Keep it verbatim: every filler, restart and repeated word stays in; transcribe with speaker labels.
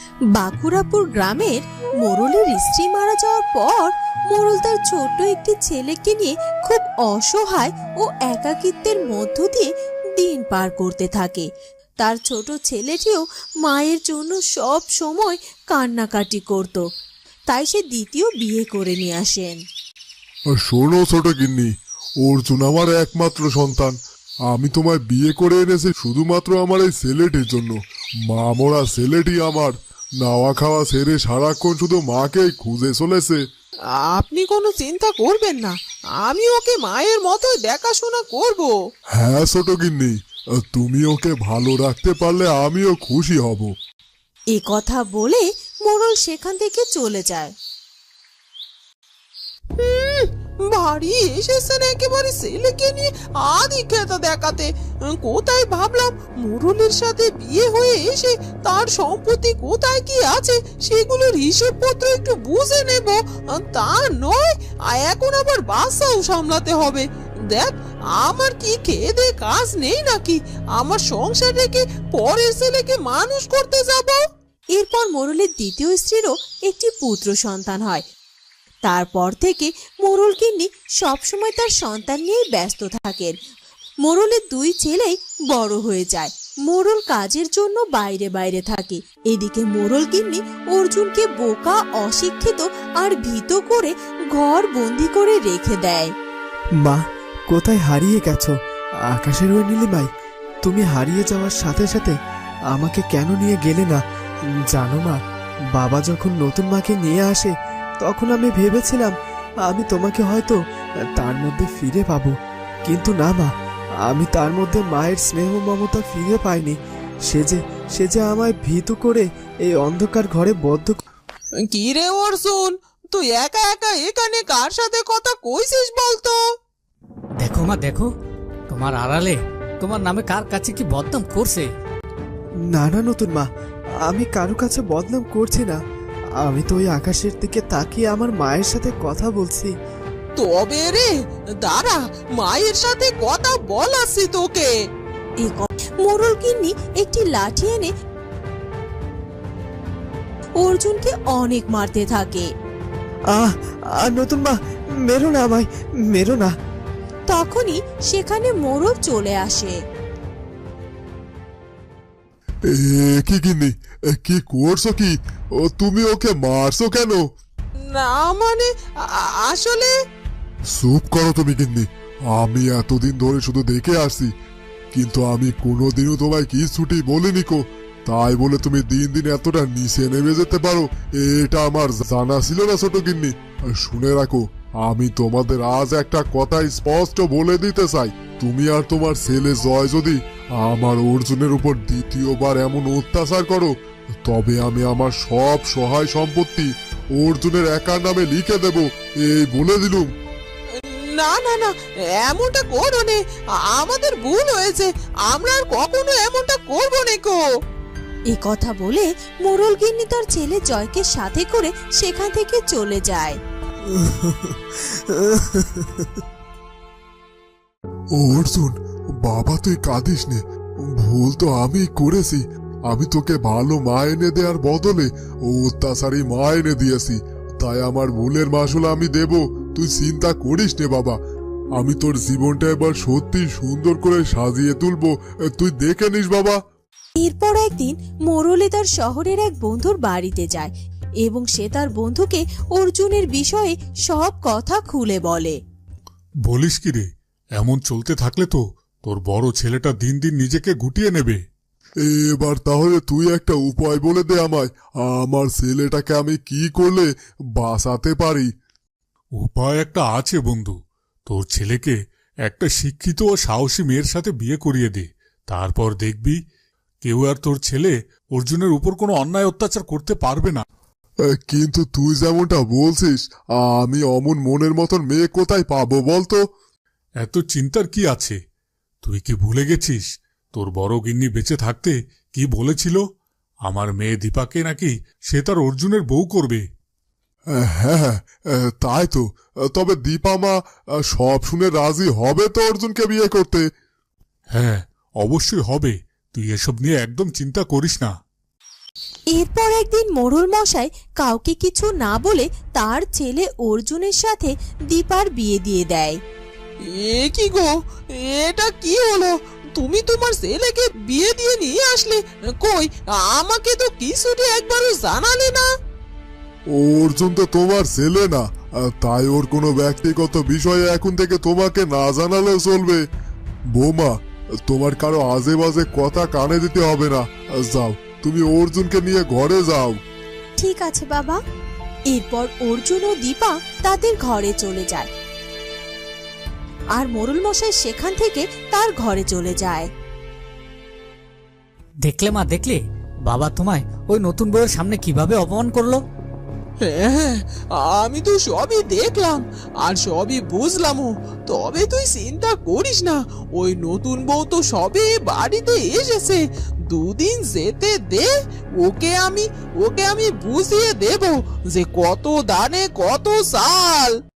Speaker 1: বাঁকুড়াপুর গ্রামের মোড়লের স্ত্রী মারা যাওয়ার পর মোড়ল তার ছোট্ট একটি ছেলেকে নিয়ে খুব অসহায় ও একাকিত্বের মধ্য দিয়ে দিন পার করতে থাকে। তার ছোট ছেলেটিও মায়ের জন্য সব সময় কান্নাকাটি করত, তাই সে দ্বিতীয় বিয়ে করে নিয়ে আসেন।
Speaker 2: শোনো ছোট গিন্নি, অর্জুন আমার একমাত্র সন্তান। আমি তোমায় বিয়ে করে এনেছি শুধুমাত্র আমার এই ছেলেটির জন্য। মা মরা ছেলেটি আমার নাওয়া খাওয়া ছেড়ে সারাক্ষণ শুধু মাকেই খুঁজে চলেছে।
Speaker 3: আপনি কোনো চিন্তা করবেন না, আমি ওকে মায়ের মতো দেখাশোনা করব।
Speaker 2: হ্যাঁ ছোট গিন্নি, তুমি ওকে ভালো রাখতে পারলে আমিও খুশি হব।
Speaker 1: এ কথা বলে মোড়ল সেখান থেকে চলে যায়।
Speaker 3: বাড়ি এসেছেন একেবারে ছেলেকে নিয়ে আদি খেতা দেখাতে। কোথায় ভাবলাম মোড়লের সাথে বিয়ে হয়ে এসে তার সম্পত্তি কোথায় কি আছে সেগুলোর হিসেবপত্র একটু বুঝে নেব, তা নয় এখন আবার বাচ্চাও সামলাতে হবে। দেখ, আমার কি খেয়ে দে কাজ নেই নাকি? আমার সংসার রেখে পরের ছেলেকে মানুষ করতে যাব?
Speaker 1: এরপর মোড়লের দ্বিতীয় স্ত্রীরও একটি পুত্র সন্তান হয়। তারপর থেকে মোড়ল গিন্নি সবসময় তার সন্তান নিয়েই ব্যস্ত থাকেন। মোড়লের দুই ছেলেই বড় হয়ে যায়। মোড়ল কাজের জন্য বাইরে বাইরে থাকে। এদিকে মোড়ল গিন্নি অর্জুনকে বোকা, অশিক্ষিত আর ভীত করে ঘর বন্দি করে রেখে দেয়।
Speaker 4: মা, কোথায় হারিয়ে গেছো? আকাশের ওই নীলিমাই, তুমি হারিয়ে যাওয়ার সাথে সাথে আমাকে কেন নিয়ে গেলে না? জানো মা, বাবা যখন নতুন মাকে নিয়ে আসে তখন আমি ভেবেছিলাম আমি তোমাকে হয়তো তার মধ্যে ফিরে পাবো, কিন্তু না মা, আমি তার মধ্যে মায়ের স্নেহ মমতা ফিরে পাইনি। সে যে সে যে আমায় ভীত করে এই অন্ধকার ঘরে বদ্ধ।
Speaker 3: কি রে অর্জুন, তুই একা একা এখানে কার সাথে কথা কইছিস বলতো?
Speaker 5: দেখো মা, দেখো তোমার আড়ালে তোমার নামে কার কাছে কি বদনাম করছে।
Speaker 4: না না নতুন মা, আমি কারো কাছে বদনাম করছি না। আমি তো ওই আকাশের দিকে তাকিয়ে আমার মায়ের সাথে কথা বলছি।
Speaker 3: তবে রে দাঁড়া, মায়ের সাথে কথা বলাচ্ছি তোকে।
Speaker 1: মোড়ল গিন্নি একটি লাঠি এনে অর্জুনকে অনেক মারতে থাকে।
Speaker 4: আহ আহ নতুন মা, মেরো না আমায়, মেরো না।
Speaker 1: তখনই সেখানে মোড়ল চলে আসে।
Speaker 2: কি গিন্নি, কি করছো? কি ও তুমি ওকে মারছো কেন?
Speaker 3: না মানে আসলে।
Speaker 2: চুপ করো তুমি গিন্নি, আমি এতদিন ধরে শুধু দেখে আসছি, কিন্তু আমি কোনোদিনও তোমায় কি ছুটি বলিনি কো। তাই বলে তুমি দিন দিন এতটা নিচে নেমে যেতে পারো, এটা আমার জানা ছিল না ছোট গিন্নি। শুনে রাখো, আমি তোমাদের আজ একটা কথা স্পষ্ট বলে দিতে চাই। তুমি আর তোমার ছেলে জয় যদি আমার অর্জুনের উপর দ্বিতীয়বার এমন অত্যাচার করো, তবে আমি আমার সব সহায় সম্পত্তি অর্জুনের একার নামে লিখে দেব, এই বলে দিলুম।
Speaker 3: না না না, এমনটা করো নে, আমাদের ভুল হয়েছে, আমরা আর কখনো এমনটা করবো না কো।
Speaker 1: এই কথা বলে মোড়ল গিন্নি তার ছেলে জয়কে সাথে করে সেখান থেকে চলে যায়।
Speaker 2: অর্জুন বাবা, তুই কাঁদিস নে, ভুল তো আমি করেছি। আমি তোকে ভালো মা এনে দেওয়ার বদলে অত্যাচারী মা এনে দিয়েছি, তাই আমার ভুলের মাসুল আমি দেব, তুই চিন্তা করিস নে বাবা। আমি তোর জীবনটা এবার সত্যি সুন্দর করে সাজিয়ে তুলবো, তুই দেখে নিস বাবা।
Speaker 1: এরপর একদিন মোড়লে তার শহরের এক বন্ধুর বাড়িতে যায় এবং সে তার বন্ধুকে অর্জুনের বিষয়ে সব কথা খুলে বলে।
Speaker 6: বলিস কি রে, এমন চলতে থাকলে তো তোর বড় ছেলেটা দিন দিন নিজেকে গুটিয়ে নেবে।
Speaker 2: এবার তাহলে তুই একটা উপায় বলে দে আমায়, আমার ছেলেটাকে আমি কি করলে বাঁচাতে পারি?
Speaker 6: উপায় একটা আছে বন্ধু, তোর ছেলেকে একটা শিক্ষিত ও সাহসী মেয়ের সাথে বিয়ে করিয়ে দে, তারপর দেখবি কেউ আর তোর ছেলে অর্জুনের উপর কোনো অন্যায় অত্যাচার করতে পারবে না।
Speaker 2: কিন্তু তুই যেমনটা বলছিস, আমি অমন মনের মতন মেয়ে কোথায় পাবো বলতো?
Speaker 6: এত চিন্তার কি আছে? তুই কি ভুলে গেছিস তোর বড় গিন্নি বেঁচে থাকতে কি বলেছিল? আমার মেয়ে দীপাকে নাকি সে তার অর্জুনের বউ করবে।
Speaker 2: হ্যাঁ তাই তো, তবে দীপা মা সব শুনে রাজি হবে তো অর্জুনকে বিয়ে করতে?
Speaker 6: হ্যাঁ অবশ্যই হবে, তুই এসব নিয়ে একদম চিন্তা করিস না।
Speaker 1: এরপর একদিন মোড়ল মশাই কাউকে কিছু না বলে তার ছেলে অর্জুনের সাথে দীপার বিয়ে দিয়ে দেয়।
Speaker 3: এ কি গো, এটা কি হলো? তুমি তোমার ছেলেকে বিয়ে দিয়ে নিয়ে আসলে, কই আমাকে তো কিছুটি একবারও জানালে না।
Speaker 2: অর্জুন তো তোমার ছেলে না, আহ, তাই ওর কোনো ব্যক্তিগত বিষয়ে এখন থেকে তোমাকে না জানালেও চলবে। বৌমা, তোমার কারো আজে বাজে কথা কানে দিতে হবে না। আহ, যাও, তুমি অর্জুনকে নিয়ে ঘরে যাও।
Speaker 1: ঠিক আছে বাবা। এরপর অর্জুন ও দীপা তাদের ঘরে চলে যায়, আর মোড়ল মশাই সেখান থেকে তার ঘরে চলে যায়।
Speaker 5: দেখলে মা, দেখলে বাবা তোমায় ওই নতুন বউয়ের সামনে কিভাবে অপমান করলো।
Speaker 3: হ্যাঁ, আমি তো সবই দেখলাম আর সবই বুঝলামও। তবে তুই চিন্তা করিস না, ওই নতুন বউ তো সবে বাড়িতে এসেছে। দুদিন যেতে দে, ওকে আমি ওকে আমি বুঝিয়ে দেব যে কত দানে কত চাল।